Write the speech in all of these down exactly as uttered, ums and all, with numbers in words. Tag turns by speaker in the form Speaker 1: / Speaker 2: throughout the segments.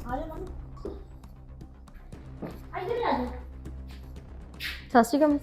Speaker 1: ਸਤਿ ਸ਼੍ਰੀ ਅਕਾਲ।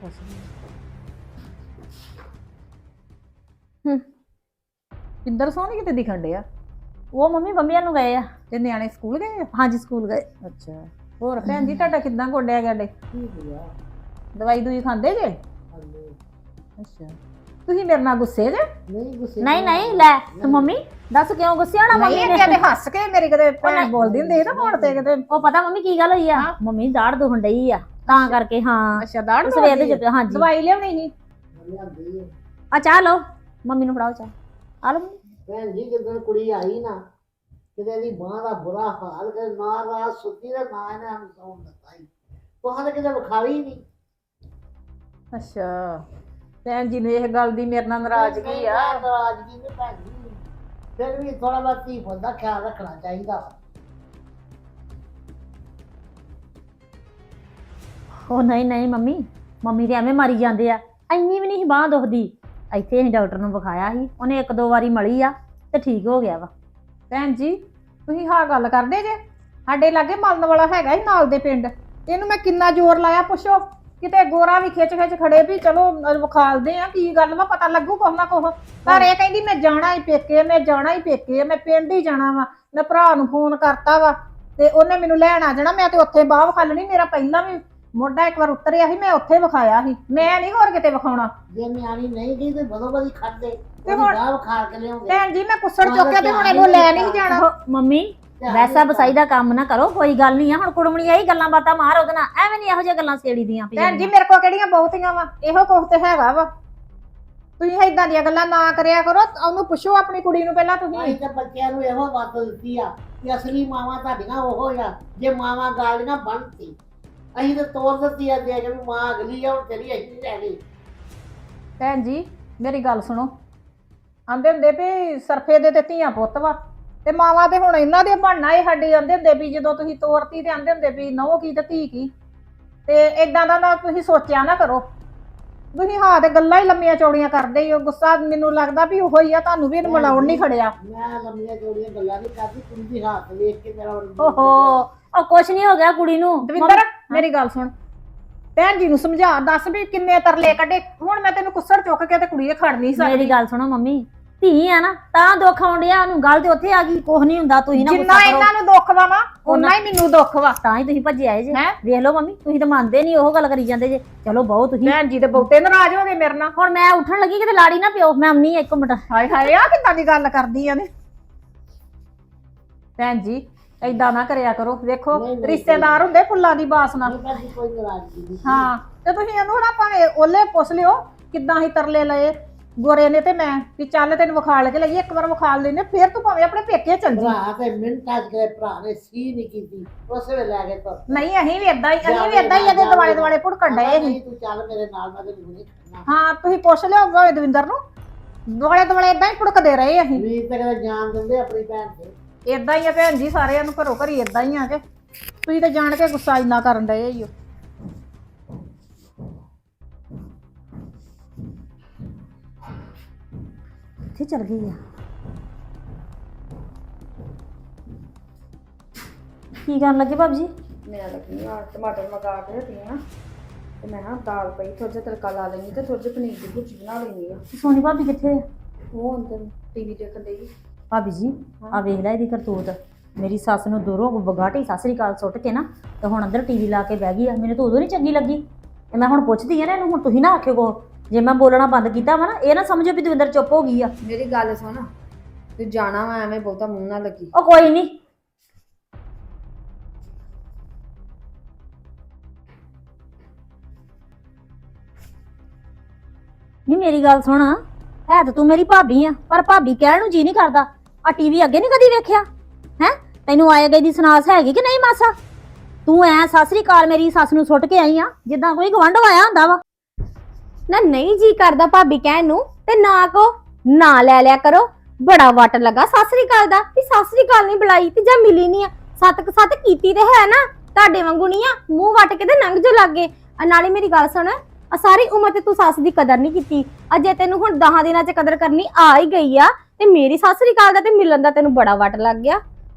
Speaker 1: ਹੂੰ
Speaker 2: ਕਿੰਦਰ ਸੋਹਣੀ ਕਿਤੇ ਦਿਖਣ ਡਿਆ।
Speaker 1: ਉਹ ਮੰਮੀ ਬੰਬੀਆਂ ਨੂੰ ਗਏ ਆ।
Speaker 2: ਤੇ ਨਿਆਣੇ ਸਕੂਲ ਗਏ ਆ?
Speaker 1: ਹਾਂਜੀ ਸਕੂਲ ਗਏ।
Speaker 2: ਅੱਛਾ ਹੋਰ ਭੈਣ ਜੀ ਤੁਹਾਡਾ ਕਿੱਦਾਂ ਗੋਡਿਆ ਗਾਡੇ? ਦਵਾਈ ਦੂਈ ਖਾਂਦੇ ਜੇ? ਅੱਛਾ ਤੁਸੀਂ ਮੇਰੇ ਨਾਲ ਗੁੱਸੇ ਜੇ?
Speaker 3: ਨਹੀਂ ਗੁੱਸੇ
Speaker 1: ਨਹੀਂ ਨਹੀਂ ਲੈ ਤੂੰ ਮੰਮੀ ਦੱਸ ਕਿਉਂ ਗੁੱਸੇ ਹੋਣਾ ਮੰਮੀ
Speaker 2: ਨਹੀਂ
Speaker 1: ਨੇ?
Speaker 2: ਕਿਤੇ ਹੱਸ ਕੇ ਮੇਰੀ ਕਿਤੇ ਭੈਣ ਬੋਲਦੀ ਹੁੰਦੀ ਨਾ ਫੋਨ ਤੇ ਕਿਤੇ।
Speaker 1: ਉਹ ਪਤਾ ਮੰਮੀ ਕੀ ਗੱਲ ਹੋਈ ਆ? ਮੰਮੀ ਦਾੜ ਦੁਖਣ ਡਈ ਆ ਤਾਂ ਕਰਕੇ। ਹਾਂ
Speaker 2: ਅੱਛਾ ਦਾੜ
Speaker 1: ਸਵੇਰ ਦੇ ਜਦ ਹਾਂਜੀ
Speaker 2: ਦਵਾਈ ਲਿਆਉਣੀ ਸੀ।
Speaker 3: ਲਿਆਂਦੀ ਹੈ
Speaker 1: ਆ ਚਾਹ ਲਓ ਮੰਮੀ ਨੂੰ ਫੜਾਓ ਚਾਹ। ਆ ਲਓ ਮੰਮੀ।
Speaker 3: ਭੈਣ ਜੀ ਜਦੋਂ ਕੁੜੀ ਆਈ ਨਾ ਕਿਤੇ ਦੀ ਬਾਂਹ ਦਾ ਬੁਰਾ ਹਾਲ ਕਰ ਨਾ ਰਾਤ ਸੁੱਤੀ ਤੇ ਨਾ ਇਹਨੇ ਹਮ ਸੌਣ ਦਿੱਤਾ ਹੀ ਕੋਹਾਂ ਤੇ ਕਿਤੇ ਵਿਖਾਈ ਨਹੀਂ।
Speaker 2: ਅੱਛਾ ਭੈਣ ਜੀ ਨੂੰ ਇਹ ਗੱਲ ਦੀ ਮੇਰੇ ਨਾਲ ਨਾਰਾਜ਼ਗੀ ਆ?
Speaker 3: ਨਾਰਾਜ਼ਗੀ ਨਹੀਂ ਭੈਣ ਜੀ, ਫਿਰ ਵੀ ਥੋੜਾ ਬਹੁਤ ਧੀ ਪੁੱਤ ਦਾ ਖਿਆਲ ਰੱਖਣਾ ਚਾਹੀਦਾ।
Speaker 1: ਉਹ ਨਹੀਂ ਨਹੀਂ ਮੰਮੀ ਮੰਮੀ ਤੇ ਐਵੇਂ ਮਾਰੀ ਜਾਂਦੇ ਆ। ਇੰਨੀ ਵੀ ਨਹੀਂ ਬਾਂਹ ਦੁਖਦੀ। ਇੱਥੇ ਅਸੀਂ ਡਾਕਟਰ ਨੂੰ ਵਿਖਾਇਆ ਸੀ, ਉਹਨੇ ਇੱਕ ਦੋ ਵਾਰੀ ਮਲੀ ਆ ਤੇ ਠੀਕ ਹੋ ਗਿਆ ਵਾ।
Speaker 2: ਭੈਣ ਜੀ ਤੁਸੀਂ ਹਾਂ ਗੱਲ ਕਰਦੇ ਜੇ? ਸਾਡੇ ਲਾਗੇ ਮਲਣ ਵਾਲਾ ਹੈਗਾ ਹੀ ਨਾਲ ਦੇ ਪਿੰਡ, ਇਹਨੂੰ ਮੈਂ ਕਿੰਨਾ ਜ਼ੋਰ ਲਾਇਆ ਪੁੱਛੋ ਕਿਤੇ ਗੋਰਾ ਵੀ ਖਿੱਚ ਖਿੱਚ ਖੜੇ ਵੀ ਚਲੋ ਵਿਖਾਲਦੇ ਆ ਕੀ ਗੱਲ ਵਾ ਪਤਾ ਲੱਗੂ ਕੁਛ ਨਾ ਕੁਛ। ਪਰ ਇਹ ਕਹਿੰਦੀ ਮੈਂ ਜਾਣਾ ਹੀ ਪੇਕੇ, ਮੈਂ ਜਾਣਾ ਹੀ ਪੇਕੇ, ਮੈਂ ਪਿੰਡ ਹੀ ਜਾਣਾ ਵਾ। ਮੈਂ ਭਰਾ ਨੂੰ ਫੋਨ ਕਰਤਾ ਵਾ ਤੇ ਉਹਨੇ ਮੈਨੂੰ ਲੈਣ ਆ ਜਾਣਾ। ਮੈਂ ਤੇ ਉੱਥੇ ਬਾਹ ਵਿਖਾਲਣੀ, ਮੇਰਾ ਪਹਿਲਾਂ ਵੀ ਮੋਢਾ ਇੱਕ ਵਾਰ ਉਤਰਿਆ ਸੀ, ਮੈਂ ਉੱਥੇ ਵਿਖਾਇਆ ਸੀ, ਮੈਂ ਨਹੀਂ ਹੋਰ ਕਿਤੇ ਵਿਖਾਉਣਾ।
Speaker 3: ਜੇ ਨਿਆਣੀ ਨਹੀਂ ਗਈ ਤੇ ਬਦੋ ਬਦੀ ਖੜਦੇ
Speaker 2: ਤੇ ਹੁਣ
Speaker 3: ਗਾਹ ਖਾ ਕੇ ਲਿਆਉਂਦੇ।
Speaker 2: ਭੈਣ ਜੀ ਮੈਂ ਕੁੱਸੜ ਚੁੱਕਿਆ ਤੇ ਹੁਣ ਇਹਨੂੰ ਲੈ ਨਹੀਂ ਜਾਣਾ।
Speaker 1: ਉਹ ਮੰਮੀ ਵੈਸਾ ਬਸਾਈ ਦਾ ਕੰਮ ਨਾ ਕਰੋ, ਕੋਈ ਗੱਲ ਨਹੀਂ ਆ। ਹੁਣ ਕੁੜਮਣੀ ਆਈ ਗੱਲਾਂ ਬਾਤਾਂ ਮਾਰ ਉਹਦੇ ਨਾਲ, ਐਵੇਂ ਨਹੀਂ ਇਹੋ ਜਿਹੀਆਂ ਗੱਲਾਂ ਛੇੜੀ ਦੀਆਂ।
Speaker 2: ਭੈਣ ਜੀ ਮੇਰੇ ਕੋਲ ਕਿਹੜੀਆਂ ਬਹੁਤੀਆਂ ਵਾ, ਇਹੋ ਕੁਛ ਤੇ ਹੈਗਾ ਵਾ। ਤੁਸੀਂ ਏਦਾਂ ਦੀਆਂ ਗੱਲਾਂ ਨਾ ਕਰਿਆ ਕਰੋ। ਉਹਨੂੰ ਪੁੱਛੋ ਆਪਣੀ ਕੁੜੀ ਨੂੰ ਪਹਿਲਾਂ ਤੁਸੀਂ।
Speaker 3: ਅਸੀਂ ਤਾਂ ਬੱਚਿਆਂ ਨੂੰ ਇਹੋ ਮੱਤ ਦਿੱਤੀ ਆ ਕਿ ਅਸਲੀ ਮਾਵਾਂ ਤੁਹਾਡੀਆਂ ਉਹੋ ਆ ਜੇ ਮਾਵਾਂ ਗਾਲੀਆਂ ਬਣਤੀ। ਅਸੀਂ ਤਾਂ ਤੋਰ ਦਿੱਤੀ ਆ ਦੇ ਕੇ ਵੀ ਮਾਂ ਅਗਲੀ ਆ ਹੁਣ ਤੇਰੀ ਅਸੀਂ ਨਹੀਂ ਰਹਿਣੀ।
Speaker 2: ਭੈਣ ਜੀ ਮੇਰੀ ਗੱਲ ਸੁਣੋ, ਆਂਦੇ ਹੁੰਦੇ ਵੀ ਸਰਫੇ ਦੇ ਤੇ ਧੀਆਂ ਪੁੱਤ ਵਾ ਤੇ ਮਾਵਾਂ ਤੇ ਹੁਣ ਇਹਨਾਂ ਦੇ ਬਣਨਾ ਇਹ ਸਾਡੇ। ਆਂਦੇ ਹੁੰਦੇ ਵੀ ਜਦੋਂ ਤੁਸੀਂ ਤੋਰਤੀ ਤੇ ਆਂਦੇ ਹੁੰਦੇ ਵੀ ਨਹੁੰ ਕੀ ਤੇ ਧੀ ਕੀ। ਤੇ ਏਦਾਂ ਦਾ ਨਾ ਤੁਸੀਂ ਸੋਚਿਆ ਨਾ ਕਰੋ। ਤੁਸੀਂ ਹਾਂ ਤੇ ਗੱਲਾਂ ਹੀ ਲੰਮੀਆਂ ਚੌੜੀਆਂ ਕਰਦੇ ਹੀ ਹੋ। ਗੁੱਸਾ ਮੈਨੂੰ ਲੱਗਦਾ ਵੀ ਉਹੋ ਹੀ ਆ, ਤੁਹਾਨੂੰ ਵੀ ਇਹਨੂੰ ਮਿਲਾਉਣ ਨਹੀਂ ਖੜਿਆ।
Speaker 3: ਮੈਂ ਲੰਮੀਆਂ ਚੌੜੀਆਂ ਗੱਲਾਂ ਨਹੀਂ ਕਰਦੀ, ਕੁੜੀ ਦੀ ਹੱਥ ਵੇਖ ਕੇ ਮੇਰਾ
Speaker 1: ਓਹੋ ਉਹ ਕੁਛ ਨਹੀਂ ਹੋ ਗਿਆ ਕੁੜੀ ਨੂੰ।
Speaker 2: ਦਵਿੰਦਰ ਮੇਰੀ ਗੱਲ ਸੁਣ, ਭੈਣ ਜੀ ਨੂੰ ਸਮਝਾ, ਦੱਸ ਵੀ ਕਿੰਨੇ ਤਰਲੇ ਕੱਢੇ। ਹੁਣ ਮੈਂ ਤੈਨੂੰ ਕੁੱਸੜ ਚੁੱਕ ਕੇ ਤੇ ਕੁੜੀ ਇਹ ਖੜ ਨਹੀਂ ਸਕਦੀ।
Speaker 1: ਮੇਰੀ ਗੱਲ ਸੁਣੋ ਮੰਮੀ, ਧੀ ਆ ਨਾ ਤਾਂ ਦੁੱਖ ਆਉਣ ਡਿਆ ਉਹਨੂੰ। ਗੱਲ ਤੇ ਉੱਥੇ ਆ ਗਈ, ਕੁਛ ਨਹੀਂ ਹੁੰਦਾ। ਤੁਸੀਂ ਨਾ
Speaker 2: ਜਿੰਨਾ ਇਹਨਾਂ ਨੂੰ ਦੁੱਖ ਵਾ ਨਾ ਉਨਾ ਹੀ ਮੈਨੂੰ ਦੁੱਖ ਵਾ।
Speaker 1: ਤਾਂ ਹੀ ਤੁਸੀਂ ਭੱਜੇ ਆਏ ਜੇ।
Speaker 2: ਹੈਂ?
Speaker 1: ਵੇਖ ਲਓ ਮੰਮੀ ਤੁਸੀਂ ਤਾਂ ਮੰਨਦੇ ਨਹੀਂ, ਉਹ ਗੱਲ ਕਰੀ ਜਾਂਦੇ ਜੇ। ਚਲੋ ਬਹੁਤ ਤੁਸੀਂ।
Speaker 2: ਭੈਣ ਜੀ ਤੇ ਬਹੁਤੇ ਨਾਰਾਜ਼ ਹੋ ਗਏ ਮੇਰੇ ਨਾਲ।
Speaker 1: ਹੁਣ ਮੈਂ ਉੱਠਣ ਲੱਗੀ ਕਿਤੇ ਲਾੜੀ ਨਾ ਪਿਓ। ਮੈਂ ਆਉਣੀ ਇੱਕ ਮਿੰਟ।
Speaker 2: ਹਾਏ ਹਾਏ ਆ ਕਿੱਦਾਂ ਦੀ ਗੱਲ ਕਰਦੀ ਆ ਨੇ। ਭੈਣ ਜੀ ਏਦਾਂ ਨਾ ਕਰਿਆ ਕਰੋ। ਵੇਖੋ ਰਿਸ਼ਤੇਦਾਰ ਹੁੰਦੇ ਫੁੱਲਾਂ ਦੀ ਬਾਸ ਨਾਲ।
Speaker 3: ਕੋਈ ਨਾਰਾਜ਼ਗੀ ਨਹੀਂ।
Speaker 2: ਹਾਂ ਤੇ ਤੁਸੀਂ ਇਹਨੂੰ ਨਾ ਭਾਵੇਂ ਉਹਲੇ ਪੁੱਛ ਲਿਓ ਕਿੱਦਾਂ ਹੀ ਤਰਲੇ ਲਏ ਗੋਰੇ ਨੇ ਤੇ ਮੈਂ ਵੀ ਚੱਲ ਤੈਨੂੰ ਵਿਖਾਲ ਕੇ ਲਈਏ। ਇੱਕ ਵਾਰ ਵਿਖਾਲ ਲੈਨੇ ਫਿਰ ਤੂੰ ਭਾਵੇਂ ਆਪਣੇ ਪੇਕੇ ਚੱਲ ਜੀ।
Speaker 3: ਭਰਾ ਤੇ ਮਿੰਟਾਂ ਚ ਗਏ, ਭਰਾ ਨੇ ਸੀ ਨਹੀਂ ਕੀਤੀ, ਉਸੇ ਵੇਲੇ ਲੈ ਕੇ ਤੁਰ ਪਏ।
Speaker 2: ਨਹੀਂ ਅਸੀਂ ਵੀ ਏਦਾਂ ਹੀ ਅਸੀਂ ਵੀ ਏਦਾਂ ਹੀ ਇਹਦੇ ਦੁਆਲੇ ਦੁਆਲੇ ਭੁੜਕਣ ਡਏ ਸੀ।
Speaker 3: ਨਹੀਂ ਤੂੰ ਚੱਲ ਮੇਰੇ ਨਾਲ, ਮੈਂ ਤੈਨੂੰ ਨਹੀਂ ਖੜਨਾ।
Speaker 2: ਹਾਂ ਤੁਸੀਂ ਪੁੱਛ ਲਿਓ ਭਾਵੇਂ ਦਵਿੰਦਰ ਨੂੰ, ਦੁਆਲੇ ਦੁਆਲੇ ਏਦਾਂ ਹੀ ਭੁੜਕਦੇ ਰਹੇ ਅਸੀਂ।
Speaker 3: ਵੀਰ ਤੇ ਕਦੇ ਜਾਣ ਦਿੰਦੇ ਆਪਣੀ ਭੈਣ ਤੇ।
Speaker 2: ਏਦਾਂ ਹੀ ਆ ਭੈਣ ਜੀ, ਸਾਰਿਆਂ ਨੂੰ ਘਰੋਂ ਘਰੀ ਏਦਾਂ ਹੀ ਆ ਕੇ ਤੁਸੀਂ ਤਾਂ ਜਾਣ ਕੇ ਗੁੱਸਾ ਇੰਨਾ ਕਰਨ ਡਏ ਈ ਓ।
Speaker 1: ਕਿੱਥੇ ਚਲ ਗਈ ਆ? ਕੀ ਕਰਨ ਲੱਗੇ ਭਾਬੀ ਜੀ?
Speaker 4: ਮੈਂ ਲੱਗੀ ਆ ਟਮਾਟਰ ਮਗਾ ਕੇ ਰੱਖੀ ਆ ਤੇ ਮੈਂ ਨਾ ਦਾਲ ਪਈ, ਥੋੜਾ ਜਿਹਾ ਤੜਕਾ ਲਾ ਲੈਣੀ ਤੇ ਥੋੜਾ ਜਿਹਾ ਪਨੀਰ ਦੀ ਭੁਰਜੀ ਬਣਾ ਲੈਣੀ ਆ।
Speaker 1: ਸੋਨੀ ਭਾਬੀ ਕਿੱਥੇ ਆ?
Speaker 4: ਉਹ ਅੰਦਰ ਟੀਵੀ ਦੇਖਣ ਡਈ।
Speaker 1: ਭਾਬੀ ਜੀ ਆ ਵੇਖ ਲੈ ਇਹਦੀ ਕਰਤੂਤ। ਮੇਰੀ ਸੱਸ ਨੂੰ ਦੂਰੋਂ ਬਗਾਟੀ ਸਤਿ ਸ੍ਰੀ ਅਕਾਲ ਸੁੱਟ ਕੇ ਨਾ ਤੇ ਹੁਣ ਅੰਦਰ ਟੀਵੀ ਲਾ ਕੇ ਬਹਿ ਗਈ ਆ। ਮੈਨੂੰ ਤਾਂ ਉਦੋਂ ਨਹੀਂ ਚੰਗੀ ਲੱਗੀ ਤੇ ਮੈਂ ਹੁਣ ਪੁੱਛਦੀ ਆ ਨਾ ਇਹਨੂੰ। ਹੁਣ ਤੁਸੀਂ ਨਾ ਆਖਿਓ ਕੋ ਜੇ ਮੈਂ ਬੋਲਣਾ ਬੰਦ ਕੀਤਾ ਵਾ ਨਾ, ਇਹ ਨਾ ਸਮਝੋ ਵੀ ਦਵਿੰਦਰ ਚੁੱਪ ਹੋ ਗਈ ਆ।
Speaker 4: ਮੇਰੀ ਗੱਲ ਸੁਣ, ਤੂੰ ਜਾਣਾ ਵਾ ਐਵੇਂ ਬਹੁਤਾ ਮੂੰਹ ਨਾ ਲੱਗੀ।
Speaker 1: ਉਹ ਕੋਈ ਨਹੀਂ। ਨਹੀਂ ਮੇਰੀ ਗੱਲ ਸੁਣ, ਹੈ ਤਾਂ ਤੂੰ ਮੇਰੀ ਭਾਬੀ ਆ ਪਰ ਭਾਬੀ ਕਹਿਣ ਨੂੰ ਜੀ ਨਹੀਂ ਕਰਦਾ। ਆ ਟੀਵੀ ਅੱਗੇ ਨਹੀਂ ਕਦੀ ਵੇਖਿਆ ਹੈ? ਤੈਨੂੰ ਆਏ ਗਏ ਦੀ ਸੁਨਾਸ ਹੈਗੀ ਕਿ ਨਹੀਂ ਮਾਸਾ? ਤੂੰ ਐ ਸਤਿ ਸ੍ਰੀ ਅਕਾਲ ਮੇਰੀ ਸੱਸ ਨੂੰ ਸੁੱਟ ਕੇ ਆਈ ਆ ਜਿੱਦਾਂ ਕੋਈ ਗਵੰਡ ਆਇਆ ਹੁੰਦਾ ਵਾ।
Speaker 5: ਨਾ ਨਹੀਂ ਜੀ ਕਰਦਾ ਭਾਬੀ ਕਹਿਣ ਨੂੰ ਤੇ ਨਾ ਕੋ ਨਾ ਲੈ ਲਿਆ ਕਰੋ। ਬੜਾ ਵਟ ਲੱਗਾ ਸਤਿ ਸ੍ਰੀ ਅਕਾਲ ਦਾ ਵੀ ਸਤਿ ਸ੍ਰੀ ਅਕਾਲ ਨਹੀਂ ਬੁਲਾਈ ਤੇ ਜਾਂ ਮਿਲੀ ਨਹੀਂ ਆ। ਸੱਤ ਕ ਸੱਤ ਕੀਤੀ ਤੇ ਹੈ ਨਾ, ਤੁਹਾਡੇ ਵਾਂਗੂ ਨਹੀਂ ਆ ਮੂੰਹ ਵਟ ਕੇ ਤੇ ਲੰਘ ਜੋ ਲੱਗੇ। ਨਾਲੇ ਮੇਰੀ ਗੱਲ ਸੁਣ, ਆ ਸਾਰੀ ਉਮਰ ਤੇ ਤੂੰ ਸੱਸ ਦੀ ਕਦਰ ਨਹੀਂ ਕੀਤੀ। ਅਜੇ ਤੈਨੂੰ ਹੁਣ ਦਸਾਂ ਦਿਨਾਂ ਚ ਕਦਰ ਕਰਨੀ ਆ ਹੀ ਗਈ ਆ ਤੇ ਮੇਰੀ ਸਤਿ ਸ੍ਰੀ ਅਕਾਲ ਦਾ ਤੇ ਮਿਲਣ ਦਾ ਤੈਨੂੰ ਬੜਾ ਵਟ ਲੱਗ ਗਿਆ।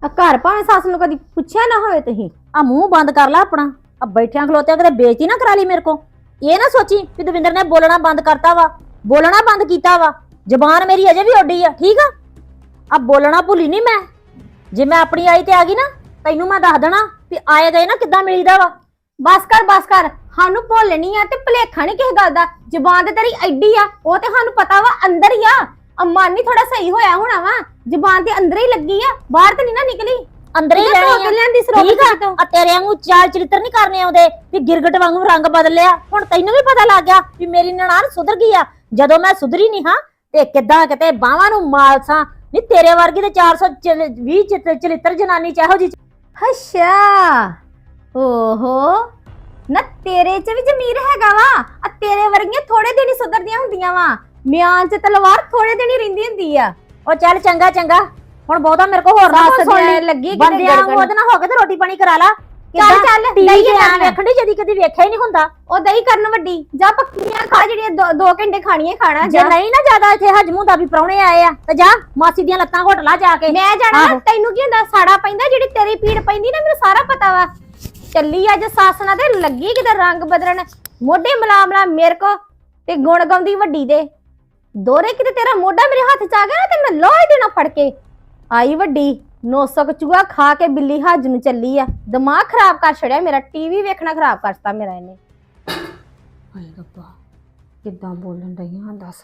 Speaker 5: ਆ ਘਰ ਭਾਵੇਂ ਸੱਸ ਨੂੰ ਕਦੀ ਪੁੱਛਿਆ ਨਾ ਹੋਵੇ ਤੁਸੀਂ।
Speaker 1: ਆ ਮੂੰਹ ਬੰਦ ਕਰ ਲੈ ਆਪਣਾ। ਆ ਬੈਠਿਆਂ ਖਲੋਤਿਆਂ ਕਿਤੇ ਬੇਇੱਜ਼ਤੀ ਨਾ ਕਰਾ ਲਈ ਮੇਰੇ ਕੋ। ਇਹ ਨਾ ਸੋਚੀ ਕਿ ਦਵਿੰਦਰ ਨੇ ਬੋਲਣਾ ਬੰਦ ਕਰਤਾ ਵਾ, ਬੋਲਣਾ ਬੰਦ ਕੀਤਾ ਵਾ। ਜ਼ਬਾਨ ਮੇਰੀ ਅਜੇ ਵੀ ਉੱਡੀ ਆ, ਠੀਕ ਆ। ਆ ਬੋਲਣਾ ਭੁੱਲੀ ਨਹੀਂ ਮੈਂ। ਜੇ ਮੈਂ ਆਪਣੀ ਆਈ ਤੇ ਆ ਗਈ ਨਾ, ਤੈਨੂੰ ਮੈਂ ਦੱਸ ਦੇਣਾ ਵੀ ਆਏ ਗਏ ਨਾ ਕਿੱਦਾਂ ਮਿਲੀਦਾ ਵਾ।
Speaker 5: ਬਸ ਕਰ ਬਸ ਕਰ, ਸਾਨੂੰ ਭੁੱਲਣੀ ਆ ਤੇ ਭੁਲੇਖਾ ਨਹੀਂ ਕਿਸੇ ਗੱਲ ਦਾ। ਜ਼ਬਾਨ ਤੇ ਤੇਰੀ ਐਡੀ ਆ, ਉਹ ਤੇ ਸਾਨੂੰ ਪਤਾ ਵਾ ਅੰਦਰ ਹੀ ਆ। ਆ ਮਨ ਨਹੀਂ ਥੋੜਾ ਸਹੀ ਹੋਇਆ ਹੋਣਾ ਵਾ, ਜ਼ਬਾਨ ਤੇ ਅੰਦਰ ਹੀ ਲੱਗੀ ਆ, ਬਾਹਰ ਤੇ ਨਹੀਂ ਨਾ ਨਿਕਲੀ।
Speaker 1: ਅੰਦਰ ਹੀ ਰਹਿਣੀ ਆ,
Speaker 5: ਲੈਂਦੀ ਸਰੋਵਰ
Speaker 1: ਠੀਕ ਆ। ਆ ਤੇਰੇ ਵਾਂਗੂ ਚਾਲ ਚਰਿੱਤਰ ਨਹੀਂ ਕਰਨੇ ਆਉਂਦੇ ਵੀ ਗਿਰਗਟ ਵਾਂਗੂ ਰੰਗ ਬਦਲ ਲਿਆ। ਹੁਣ ਤੈਨੂੰ ਵੀ ਪਤਾ ਲੱਗ ਗਿਆ ਵੀ ਮੇਰੀ ਨਨਾਣ ਸੁਧਰ ਗਈ ਆ। ਜਦੋਂ ਮੈਂ ਸੁਧਰੀ ਨਹੀਂ ਹਾਂ ਤੇ ਕਿੱਦਾਂ ਕਿਤੇ ਬਾਹਾਂ ਨੂੰ ਮਾਲਸਾਂ ਨਹੀਂ। ਤੇਰੇ ਵਰਗੀ ਤੇ ਚਾਰ ਸੌ ਵੀਹ ਚਰਿੱਤਰ ਜਨਾਨੀ ਚਾਹੋ ਜੀ।
Speaker 5: ਅੱਛਾ, ਓਹੋ ਨਾ ਤੇਰੇ ਚ ਵੀ ਜ਼ਮੀਰ ਹੈਗਾ ਵਾ। ਆ ਤੇਰੇ ਵਰਗੀਆਂ ਥੋੜੇ ਦਿਨ ਹੀ ਸੁਧਰਦੀਆਂ ਹੁੰਦੀਆਂ ਵਾ। ਮਿਆਨ ਚ ਤਲਵਾਰ ਥੋੜੇ ਦਿਨ ਹੀ ਰਹਿੰਦੀ ਹੁੰਦੀ ਆ।
Speaker 1: ਉਹ ਚੱਲ ਚੰਗਾ ਚੰਗਾ, ਹੁਣ ਬਹੁਤਾ ਮੇਰੇ ਕੋਲ ਹੋਰ ਨਾ
Speaker 5: ਸੱਸ
Speaker 1: ਸੁਣ
Speaker 5: ਦੇ
Speaker 1: ਲਈ।
Speaker 5: ਲੱਗੀ ਕਿਤੇ
Speaker 1: ਬੰਦਿਆਂ ਨੂੰ
Speaker 5: ਗੜਗੜ।
Speaker 1: ਉਹਦੇ ਨਾਲ ਹੋ ਕੇ ਤੇ ਰੋਟੀ ਪਾਣੀ ਕਰਾ ਲਾ।
Speaker 5: ਚੱਲ ਚੱਲ
Speaker 1: ਟੀਵੀ
Speaker 5: ਦਈ
Speaker 1: ਤੇ ਆ
Speaker 5: ਕਰਨ
Speaker 1: ਵੇਖਣ ਦੀ ਜਦੀ ਕਦੀ ਵੇਖਿਆ ਹੀ ਨਹੀਂ ਹੁੰਦਾ।
Speaker 5: ਉਹ ਦਈ ਕਰਨ ਵੱਡੀ ਜਾ ਪੱਕੀਆਂ ਖਾ ਜਿਹੜੀਆਂ ਦੋ- ਦੋ ਘੰਟੇ ਖਾਣੀਆਂ ਖਾਣਾ
Speaker 1: ਜੇ
Speaker 5: ਜਾ।
Speaker 1: ਨਹੀਂ ਨਾ ਜ਼ਿਆਦਾ ਇੱਥੇ ਹਜਮ ਹੁੰਦਾ ਵੀ ਪ੍ਰਾਹੁਣੇ ਆਏ ਆ ਤੇ ਜਾ ਮਾਸੀ ਦੀਆਂ ਲੱਤਾਂ ਘੁੱਟ ਲਾ ਜਾ ਕੇ।
Speaker 5: ਮੈਂ ਜਾਣਾ ਨਾ,
Speaker 1: ਆਹੋ।
Speaker 5: ਤੈਨੂੰ ਕੀ ਹੁੰਦਾ? ਸਾੜਾ ਪੈਂਦਾ ਜਿਹੜੀ ਤੇਰੀ ਪੀੜ ਪੈਂਦੀ ਨਾ, ਮੈਨੂੰ ਸਾਰਾ ਪਤਾ ਵਾ। ਚੱਲੀ ਅੱਜ ਸੱਸ ਨਾਲ ਤੇ ਲੱਗੀ ਕਿਤੇ ਰੰਗ ਬਦਲਣ, ਮੋਢੇ ਮਲਾਮਲਾ ਮੇਰੇ ਕੋ ਤੇ ਗੁਣ ਗਾਉਂਦੀ ਵੱਡੀ ਦੇ। ਦੋਰੇ ਕਿਤੇ ਤੇਰਾ ਮੋਢਾ ਮੇਰੇ ਹੱਥ ਚ ਆ ਗਿਆ ਨਾ ਤੇ ਮੈਂ ਲੋਹੇ ਦੇਣਾ ਫੜ ਕੇ ਆਈ ਵੱਡੀ। ਨੋਸਕ ਚੂਹਾ ਖਾ ਕੇ ਬਿੱਲੀ ਹੱਜ ਨੂੰ ਚੱਲੀ ਆ। ਦਿਮਾਗ ਖਰਾਬ ਕਰ ਛੜਿਆ ਮੇਰਾ, ਟੀਵੀ ਵੇਖਣਾ ਖਰਾਬ ਕਰਤਾ ਮੇਰਾ ਇਹਨੇ।
Speaker 2: ਹਾਏ ਰੱਬਾ, ਕਿੱਦਾਂ ਬੋਲਣ ਡਈਆਂ ਦੱਸ।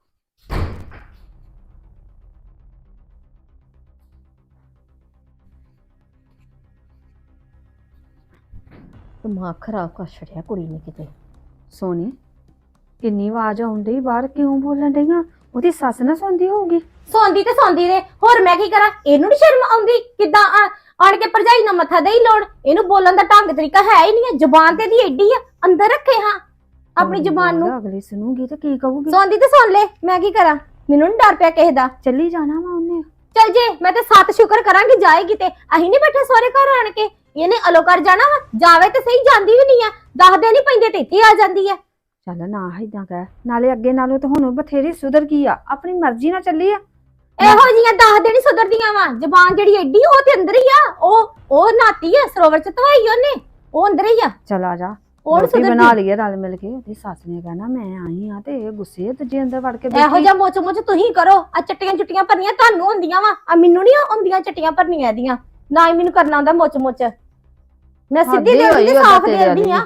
Speaker 5: ਦਿਮਾਗ ਖਰਾਬ ਕਰ ਛੜਿਆ ਕੁੜੀ ਨੇ ਕਿਤੇ।
Speaker 4: ਸੋਨੀ ਕਿੰਨੀ ਆਵਾਜ਼ ਆਉਂਦੀ ਬਾਹਰ, ਕਿਉਂ ਬੋਲਣ ਡਈਆਂ? ਉਹਦੀ ਸੱਸ ਨਾ ਸੁਣਦੀ ਹੋਊਗੀ।
Speaker 5: ਸੌਂਦੀ ਤੇ ਸੌਂਦੀ ਦੇ, ਹੋਰ ਮੈਂ ਕੀ ਕਰਾਂ? ਇਹਨੂੰ ਨੀ ਸ਼ਰਮ ਆਉਂਦੀ? ਕਿੱਦਾਂ ਆ- ਆਣ ਕੇ ਭਰਜਾਈ ਨਾਲ ਮੱਥਾ ਦੇਈ ਲੋੜ? ਇਹਨੂੰ ਬੋਲਣ ਦਾ ਢੰਗ ਤਰੀਕਾ ਹੈ ਹੀ ਨਹੀਂ ਹੈ। ਜ਼ੁਬਾਨ ਤੇ ਦੀ ਐਡੀ ਆ, ਅੰਦਰ ਰੱਖੇ ਹਾਂ ਆਪਣੀ ਜ਼ੁਬਾਨ ਨੂੰ।
Speaker 4: ਅਗਲੀ ਸੁਣੂਗੀ ਤੇ ਕੀ ਕਹੂਗੀ?
Speaker 5: ਸੌਂਦੀ ਤੇ ਸੁਣ ਲੈ, ਮੈਂ ਕੀ ਕਰਾਂ? ਮੈਨੂੰ ਨੀ ਡਰ ਪਿਆ ਕਿਸੇ ਦਾ।
Speaker 4: ਚੱਲੀ ਜਾਣਾ ਵਾ ਉਹਨੇ।
Speaker 5: ਚੱਲ ਜੇ ਮੈਂ ਤੇ ਸੱਤ ਸ਼ੁਕਰ ਕਰਾਂਗੀ ਜਾਏਗੀ ਤੇ। ਅਸੀਂ ਨਹੀਂ ਬੈਠੇ ਸਹੁਰੇ ਘਰ ਆਣ ਕੇ। ਇਹਨੇ ਅਲੋ ਕਰ ਜਾਣਾ ਵਾ, ਜਾਵੇ ਤੇ ਸਹੀ, ਜਾਂਦੀ ਵੀ ਨਹੀਂ ਆ। ਦੱਸਦੇ ਨਹੀਂ ਪੈਂਦੇ ਤੇ ਇੱਥੇ ਆ ਜਾਂਦੀ ਆ।
Speaker 4: ਚੱਲ ਨਾ ਏਦਾਂ ਕਹਿ, ਨਾਲੇ ਅੱਗੇ ਨਾਲੋਂ ਤਾਂ ਹੁਣ ਬਥੇਰੀ ਸੁਧਰ ਗਈ ਆ, ਆਪਣੀ ਮਰਜ਼ੀ ਨਾਲ ਚੱਲੀ ਆ।
Speaker 5: ਇਹੋ ਜੀਆਂ ਦੱਸਦੇ ਨਹੀਂ ਸੁਧਰਦੀਆਂ ਵਾ। ਜ਼ਬਾਨ ਜਿਹੜੀ ਐਡੀ, ਉਹ ਤੇ ਅੰਦਰ ਹੀ ਆ। ਉਹ ਉਹ ਨਾਤੀ ਆ, ਸਰੋਵਰ ਚ ਧਵਾਈ ਉਹਨੇ, ਉਹ ਅੰਦਰ ਹੀ ਆ।
Speaker 4: ਚੱਲ ਆ ਜਾ,
Speaker 5: ਉਹ ਨੀ
Speaker 4: ਰੋਟੀ
Speaker 5: ਸੁਧਰਦੀ।
Speaker 4: ਬਣਾ ਲਈਏ ਰਲ ਮਿਲ ਕੇ। ਉਹਦੀ ਸੱਸ ਨੇ ਕਹਿਣਾ ਮੈਂ ਆਈ ਆ ਤੇ ਇਹ ਗੁੱਸੇ ਤੇ ਜੇ ਅੰਦਰ ਵੜ ਕੇ
Speaker 5: ਇਹੋ
Speaker 4: ਬੈਠੀ।
Speaker 5: ਜਿਹਾ ਮੋਚ ਮੋਚ ਤੁਸੀਂ ਕਰੋ। ਆ ਚਟੀਆਂ ਚੁੱਟੀਆਂ ਭਰਨੀਆਂ ਤੁਹਾਨੂੰ ਹੁੰਦੀਆਂ ਵਾ, ਆ ਮੈਨੂੰ ਨਹੀਂ ਹੁੰਦੀਆਂ ਚਟੀਆਂ ਭਰਨੀਆਂ ਇਹਦੀਆਂ। ਨਾ ਹੀ ਮੈਨੂੰ ਕਰਨਾ ਆਉਂਦਾ ਮੋਚ ਮੋਚ। ਮੈਂ ਸਿੱਧੀ
Speaker 4: ਹੱਦ ਹੀ
Speaker 5: ਦੇ
Speaker 4: ਹੋਈ
Speaker 5: ਦਿੰਦੀ,
Speaker 4: ਉਹਦਾ
Speaker 5: ਸਾਫ਼
Speaker 4: ਤੇਰੇ
Speaker 5: ਦੇ ਦਿੰਦੀ ਆ।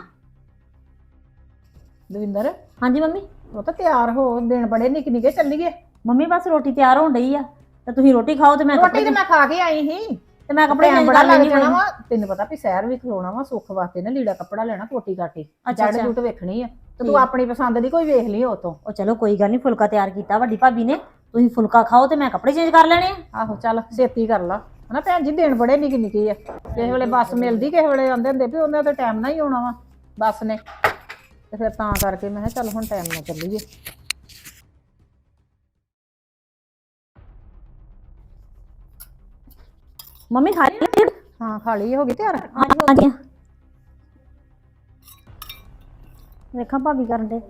Speaker 2: ਦਵਿੰਦਰ,
Speaker 1: ਹਾਂਜੀ ਮੰਮੀ।
Speaker 2: ਉਹ ਤਾਂ ਤਿਆਰ ਹੋ, ਦਿਨ ਬੜੇ ਨਿੱਕੇ ਨਿੱਕੇ ਚੱਲੀਏ।
Speaker 1: ਮੰਮੀ ਬਸ ਰੋਟੀ ਤਿਆਰ ਹੋਣ ਡਈ ਆ ਤੇ ਤੁਸੀਂ ਰੋਟੀ ਖਾਓ ਤੇ ਮੈਂ
Speaker 2: ਰੋਟੀ
Speaker 1: ਕੱਪੜੇ
Speaker 2: ਤੇ ਮੈਂ ਖਾ ਕੇ ਆਈ ਸੀ।
Speaker 1: ਤੇ ਮੈਂ ਕੱਪੜੇ
Speaker 2: ਟਾਈਮ
Speaker 1: ਚੇਂਜ
Speaker 2: ਬੜਾ
Speaker 1: ਕਰ
Speaker 2: ਲੱਗ
Speaker 1: ਲੈਣੀ
Speaker 2: ਜਾਣਾ ਵਾ। ਤੈਨੂੰ ਪਤਾ ਵੀ ਸ਼ਹਿਰ ਵੀ ਖਲੋਣਾ ਵਾ, ਸੁੱਖ ਵਾਸਤੇ ਨਾ ਲੀੜਾ ਕੱਪੜਾ ਲੈਣਾ, ਕੋਟੀ ਕਾਟੀ
Speaker 1: ਅੱਛਾ,
Speaker 2: ਜੜ ਜੁਟ ਵੇਖਣੀ ਆ ਤੇ ਤੂੰ
Speaker 1: ਠੀਕ।
Speaker 2: ਆਪਣੀ ਪਸੰਦ ਦੀ ਕੋਈ ਵੇਖ ਲਈ ਉਤੋਂ।
Speaker 1: ਉਹ ਚਲੋ ਕੋਈ ਗੱਲ ਨਹੀਂ, ਫੁਲਕਾ ਤਿਆਰ ਕੀਤਾ ਵੱਡੀ ਭਾਬੀ ਨੇ। ਤੁਸੀਂ ਫੁਲਕਾ ਖਾਓ ਤੇ ਮੈਂ ਕੱਪੜੇ ਚੇਂਜ ਕਰ ਲੈਣੇ ਆ।
Speaker 2: ਆਹੋ ਚੱਲ ਛੇਤੀ ਕਰ ਲਾ ਹਨਾ ਭੈਣ ਜੀ, ਦਿਨ ਬੜੇ ਨਿੱਕੇ ਨਿੱਕੇ ਆ। ਕਿਸੇ ਵੇਲੇ ਬੱਸ ਮਿਲਦੀ, ਕਿਸੇ ਵੇਲੇ ਆਉਂਦੇ ਹੁੰਦੇ ਵੀ ਉਹਨਾਂ ਦਾ ਟਾਈਮ ਨਾਲ ਹੀ ਆਉਣਾ ਵਾ ਬੱਸ ਨੇ, ਤੇ ਫਿਰ ਤਾਂ ਕਰਕੇ ਮੈਂ ਕਿਹਾ ਚੱਲ ਹੁਣ ਟਾਈਮ ਨਾਲ ਚੱਲੀਏ।
Speaker 1: ਮੰਮੀ ਖਾ ਲਈ?
Speaker 2: ਹਾਂ ਖਾਲੀ ਹੋ ਗਈ ਤਿਆਰ।
Speaker 1: ਹਾਂਜੀ ਹਾਂਜੀ। ਵੇਖਾਂ ਭਾਬੀ ਕਰਨ ਦੇ।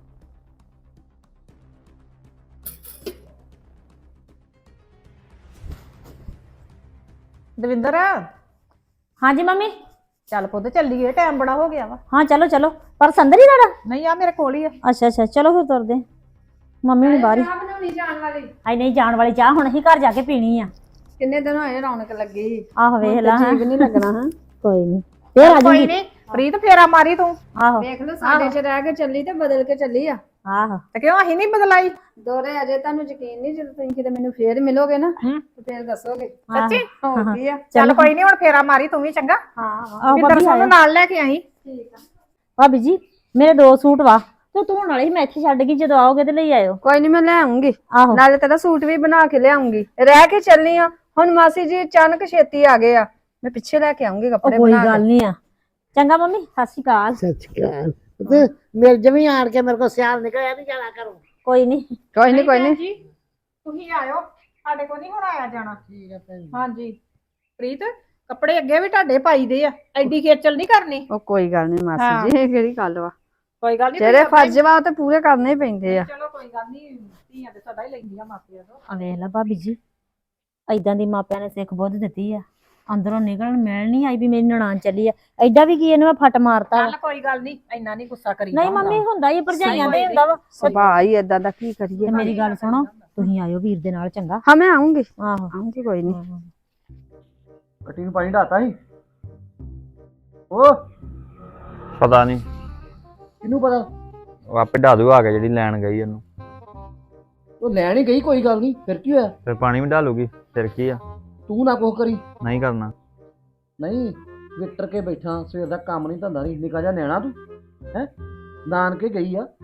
Speaker 2: ਦਵਿੰਦਰ,
Speaker 1: ਹਾਂਜੀ ਮੰਮੀ।
Speaker 2: ਚੱਲ ਪੁੱਤ ਚੱਲੀਏ, ਟਾਈਮ ਬੜਾ ਹੋ ਗਿਆ ਵਾ।
Speaker 1: ਹਾਂ ਚਲੋ ਚਲੋ, ਪਰ ਸੰਦਰ ਹੀ ਤੁਹਾਡਾ?
Speaker 2: ਨਹੀਂ ਆ ਮੇਰੇ ਕੋਲ ਹੀ ਆ।
Speaker 1: ਅੱਛਾ ਅੱਛਾ, ਚਲੋ ਫਿਰ ਤੁਰਦੇ। ਮੰਮੀ ਹੁਣੀ ਬਾਹਰ ਹੀ।
Speaker 4: ਬਣਾਉਣੀ ਜਾਣ ਵਾਲੀ।
Speaker 1: ਆਈ ਨਹੀਂ, ਜਾਣ ਵਾਲੀ ਚਾਹ ਹੁਣ ਅਸੀਂ ਘਰ ਜਾ ਕੇ ਪੀਣੀ ਆ।
Speaker 4: ਕਿੰਨੇ ਦਿਨ ਹੋਏ ਰੌਣਕ ਲੱਗੀ।
Speaker 1: ਆਹੋ ਵੇਖ ਲਾ।
Speaker 4: ਠੀਕ ਨਹੀਂ ਲੱਗਣਾ ਹਾਂ।
Speaker 1: ਕੋਈ ਨਹੀਂ, ਫੇਰ ਆ
Speaker 2: ਕੋਈ
Speaker 1: ਜਾਊਗੀ।
Speaker 2: ਨਹੀਂ ਪ੍ਰੀਤ, ਫੇਰਾ ਮਾਰੀ ਤੂੰ।
Speaker 1: ਆਹੋ
Speaker 4: ਵੇਖ ਲਓ ਸਾਡੇ ਚ ਰਹਿ ਕੇ ਚੱਲੀ ਤੇ ਬਦਲ ਕੇ ਚੱਲੀ ਆ।
Speaker 1: ਆਹੋ।
Speaker 2: ਤੇ ਕਿਉਂ ਅਸੀਂ ਨਹੀਂ ਬਦਲਾਈ?
Speaker 4: ਦੋਰੇ ਅਜੇ ਤੁਹਾਨੂੰ ਯਕੀਨ ਨਹੀਂ, ਜਦੋਂ ਤੁਸੀਂ ਕਿਤੇ ਮੈਨੂੰ ਫੇਰ ਮਿਲੋਗੇ ਨਾ
Speaker 2: ਹੂੰ।
Speaker 4: ਤੇ ਫੇਰ ਦੱਸੋਗੇ
Speaker 2: ਸੱਚੀ?
Speaker 4: ਹੋ ਕੀ ਆ।
Speaker 2: ਚੱਲ ਕੋਈ ਨਹੀਂ, ਹੁਣ ਫੇਰਾ ਮਾਰੀ ਤੂੰ ਵੀ ਚੰਗਾ।
Speaker 4: ਹਾਂ
Speaker 1: ਆਹੋ
Speaker 2: ਪਿੰਦਰ
Speaker 1: ਭਾਬੀ
Speaker 2: ਸਾਨੂੰ
Speaker 1: ਆਇਆ।
Speaker 2: ਨਾਲ ਲੈ ਕੇ ਆਈ।
Speaker 4: ਠੀਕ ਆ।
Speaker 1: ਭਾਬੀ ਜੀ ਮੇਰੇ ਦੋ ਸੂਟ ਵਾ ਤੇ ਧੋਣ ਵਾਲੇ ਸੀ, ਮੈਂ ਇੱਥੇ ਛੱਡ ਗਈ। ਜਦੋਂ ਆਓਗੇ ਤੇ ਲਈ ਆਇਓ।
Speaker 4: ਕੋਈ ਨਹੀਂ, ਮੈਂ ਲੈ ਆਉਂਗੀ।
Speaker 1: ਆਹੋ
Speaker 4: ਨਾਲੇ ਤੇਰਾ ਸੂਟ ਵੀ ਬਣਾ ਕੇ ਲਿਆਉਂਗੀ। ਰਹਿ ਕੇ ਚੱਲਨੀ ਆ ਹੁਣ। ਮਾਸੀ ਜੀ ਅਚਾਨਕ ਛੇਤੀ ਆ ਗਏ ਆ, ਮੈਂ ਪਿੱਛੇ ਲੈ ਕੇ ਆਉਂਗੀ
Speaker 1: ਉਹ
Speaker 4: ਕੱਪੜੇ
Speaker 1: ਕੋਈ
Speaker 4: ਬਣਾ
Speaker 1: ਗੱਲ
Speaker 4: ਕੇ।
Speaker 1: ਨਹੀਂ ਆ। ਚੰਗਾ ਮੰਮੀ, ਸਤਿ ਸ਼੍ਰੀ ਅਕਾਲ।
Speaker 3: ਸੱਚ ਕਰ ਤੇ ਮੇਰੇ ਜਮੀ ਆਣ ਕੇ ਮੇਰੇ ਕੋ ਸਿਆਲ ਨਿਕਲਿਆ ਨਹੀਂ ਜਾਣਾ ਕਰੋ।
Speaker 1: ਕੋਈ ਨਹੀਂ।
Speaker 4: ਕੋਈ ਨਹੀਂ ਕੋਈ ਨਹੀਂ।
Speaker 2: ਜੀ ਤੁਸੀਂ ਆਇਓ, ਸਾਡੇ ਕੋਲ ਨਹੀਂ ਹੁਣ ਆਇਆ ਜਾਣਾ।
Speaker 3: ਠੀਕ ਹੈ ਭੈਣ।
Speaker 2: ਹਾਂਜੀ ਪ੍ਰੀਤ, ਕੱਪੜੇ ਅੱਗੇ ਵੀ ਤੁਹਾਡੇ ਪਾਈ ਦੇ ਆ, ਐਡੀ ਖੇਚਲ ਨਹੀਂ ਕਰਨੀ।
Speaker 4: ਉਹ ਕੋਈ ਗੱਲ ਨਹੀਂ
Speaker 2: ਹਾਂ।
Speaker 4: ਮਾਸੀ ਜੀ, ਇਹ ਕਿਹੜੀ ਗੱਲ ਵਾ।
Speaker 2: ਕੋਈ ਗੱਲ ਨਹੀਂ,
Speaker 4: ਜਿਹੜੇ ਫਰਜ਼ ਵਾ ਉਹ ਤੇ ਪੂਰੇ ਕਰਨੇ ਹੀ ਪੈਂਦੇ ਆ।
Speaker 2: ਚਲੋ ਕੋਈ ਗੱਲ ਨਹੀਂ, ਧੀਆਂ ਤੇ ਸਦਾ ਹੀ ਲੈਂਦੀਆਂ ਮਾਪਿਆਂ ਤੋਂ।
Speaker 1: ਆ ਵੇਖ ਲੈ ਭਾਬੀ ਜੀ, ਐਦਾਂ ਦੀ ਮਾਪਿਆਂ ਨੇ ਸਿੱਖ ਬੁੱਧ ਦਿੱਤੀ ਆ ਅੰਦਰੋਂ ਨਿਕਲਣ ਮਿਲ ਨਹੀਂ ਆਈ ਵੀ ਮੇਰੀ ਨਨਾਣ ਚੱਲੀ ਆ। ਐਡਾ ਵੀ ਕੀ ਇਹਨੂੰ ਮੈਂ ਫੱਟ ਮਾਰਤਾ ਵਾ।
Speaker 2: ਚੱਲ ਕੋਈ ਗੱਲ ਨਹੀਂ, ਇੰਨਾ ਨਹੀਂ ਗੁੱਸਾ ਕਰੀ
Speaker 1: ਨਹੀਂ ਮੰਮੀ ਹੁੰਦਾ ਹੀ ਭਰਜਾਈਆਂ ਦੇ ਹੁੰਦਾ ਵਾ।
Speaker 4: ਸੁਭਾਅ ਹੀ ਏਦਾਂ ਦਾ, ਕੀ ਕਰੀਏ।
Speaker 1: ਤੇ ਮੇਰੀ ਗੱਲ ਸੁਣੋ, ਤੁਸੀਂ ਆਇਓ ਵੀਰ ਦੇ ਨਾਲ ਚੰਗਾ।
Speaker 4: ਹਾਂ ਮੈਂ ਆਉਂਗੀ,
Speaker 1: ਆਹੋ
Speaker 4: ਆਉਂਗੀ, ਕੋਈ ਨਹੀਂ।
Speaker 6: ਕੱਟੀ ਨੂੰ ਪਾਣੀ ਢਾਤਾ ਸੀ ਉਹ
Speaker 7: ਪਤਾ ਨਹੀਂ,
Speaker 6: ਕਿਹਨੂੰ ਪਤਾ।
Speaker 7: ਉਹ ਆਪੇ ਢਾ ਦੂ ਆ ਕੇ ਜਿਹੜੀ ਲੈਣ ਗਈ ਉਹਨੂੰ।
Speaker 6: ਉਹ ਲੈਣ ਹੀ ਗਈ, ਕੋਈ ਗੱਲ ਨਹੀਂ, ਫਿਰ ਕੀ ਹੋਇਆ।
Speaker 7: ਫਿਰ ਪਾਣੀ ਵੀ ਢਾਲੂਗੀ, ਫਿਰ ਕੀ ਆ।
Speaker 6: ਤੂੰ ਨਾ ਕੁਛ ਕਰੀ।
Speaker 7: ਨਹੀਂ ਕਰਨਾ।
Speaker 6: ਨਹੀਂ ਵਿਟਰ ਕੇ ਬੈਠਾ, ਸਵੇਰ ਦਾ ਕੰਮ ਨਹੀਂ ਧੰਦਾ ਨਹੀਂ, ਨਿਕਾ ਜਾ ਨਿਆਣਾ ਤੂੰ ਹੈ। ਨਾਨਕੇ ਗਈ ਆ,